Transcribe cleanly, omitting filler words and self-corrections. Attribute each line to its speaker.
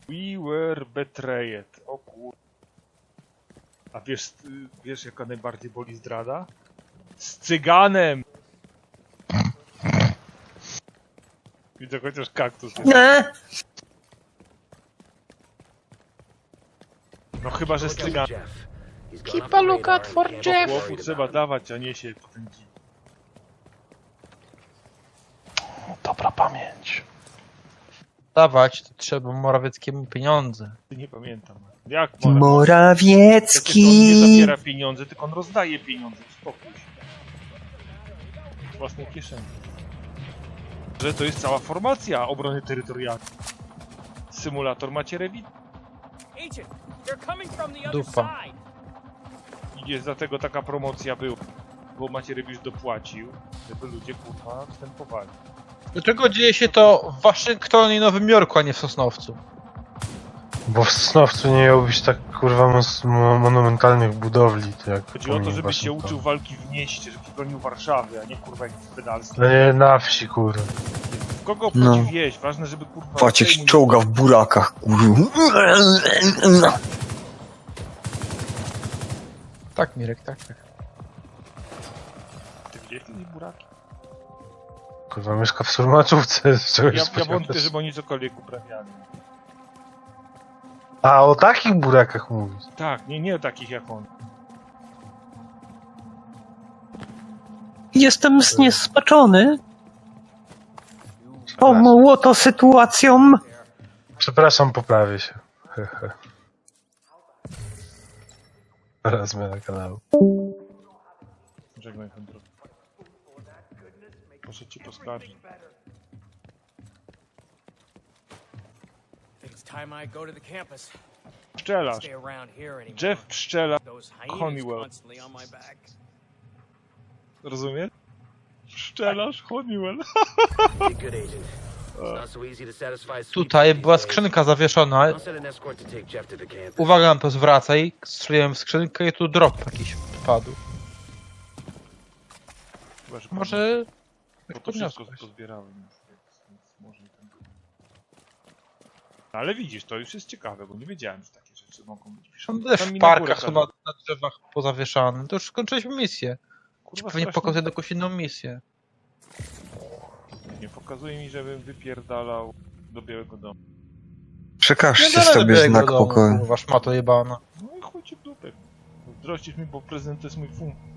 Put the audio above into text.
Speaker 1: We were betrayed. O kur... A wiesz jaka najbardziej boli zdrada? Z cyganem! Widzę chociaż kaktus.
Speaker 2: Nie!
Speaker 1: No chyba, że z cyganem.
Speaker 3: Keep a lookout for Jeff.
Speaker 1: Chłopu trzeba dawać, a nie się potęgi.
Speaker 4: Dobra pamięć.
Speaker 2: Dawać to trzeba Morawieckiemu pieniądze.
Speaker 1: Nie pamiętam. Jak Przecież
Speaker 2: Morawiecki!
Speaker 1: on nie zabiera pieniądze, tylko on rozdaje pieniądze. Spokój się. Z własnej kieszeni. Że to jest cała formacja obrony terytorialnej. Symulator macie rewit.
Speaker 2: Dupa.
Speaker 1: I jest dlatego taka promocja była. Bo Macierewicz dopłacił, żeby ludzie kurwa wstępowali.
Speaker 2: Dlaczego dzieje się to w Waszyngtonie i Nowym Jorku, a nie w Sosnowcu?
Speaker 4: Bo w Sosnowcu nie miał być tak kurwa monumentalnych budowli, to jak
Speaker 1: Chodzi o to,
Speaker 4: pomnik
Speaker 1: żebyś się
Speaker 4: Waszyngtonu.
Speaker 1: uczył walki w mieście, żebyś bronił Warszawy, a nie kurwa jak w pedalstwie.
Speaker 4: No nie na wsi kurwa.
Speaker 1: W kogo obchodzi wieś? Ważne, żeby kurwa...
Speaker 5: Patrz jak się
Speaker 1: Sejmu nie-
Speaker 5: czołga w burakach, kurwa.
Speaker 2: Tak, Mirek, tak.
Speaker 1: Ty widziałeś kiedyś buraki?
Speaker 4: Kurwa mieszka w Surmaczówce, z czegoś
Speaker 1: Ja
Speaker 4: spodziewasz.
Speaker 1: wątpię, żeby oni cokolwiek uprawiali.
Speaker 4: A o takich burakach mówisz?
Speaker 1: Tak, nie takich jak on.
Speaker 6: Jestem zniesmaczony tą młoto sytuacją.
Speaker 4: Przepraszam, poprawię się. Hehe. Teraz zmiana kanału.
Speaker 1: Żegnaj ten drog. Proszę ci poskarżyć. Pszczelarz. Jeff Pszczelarz. Honeywell. Rozumiesz? Pszczelarz Honeywell.
Speaker 2: Tutaj była skrzynka zawieszona. Uwaga na to zwracaj. Strzeliłem w skrzynkę i tu drop jakiś wpadł.
Speaker 1: Chyba, że
Speaker 2: Może...
Speaker 1: bo to wszystko pozbierałem. Więc może i ten... No, ale widzisz, to już jest ciekawe, bo nie wiedziałem, że takie rzeczy mogą być.
Speaker 2: Są też
Speaker 1: Tam
Speaker 2: w
Speaker 1: mi na górę
Speaker 2: parkach chyba
Speaker 1: kazali.
Speaker 2: na drzewach pozawieszane. To już skończyliśmy misję.
Speaker 1: Kurwa,
Speaker 2: Pewnie
Speaker 1: strasznie-
Speaker 2: pokazuję jakąś inną misję.
Speaker 1: Nie pokazuje mi, żebym wypierdalał do Białego Domu.
Speaker 5: Przekażcie sobie znak pokoju.
Speaker 2: Wasz ma to jebana.
Speaker 1: No i chuj ci w dupę. Zdrościsz mi, bo prezydent to jest mój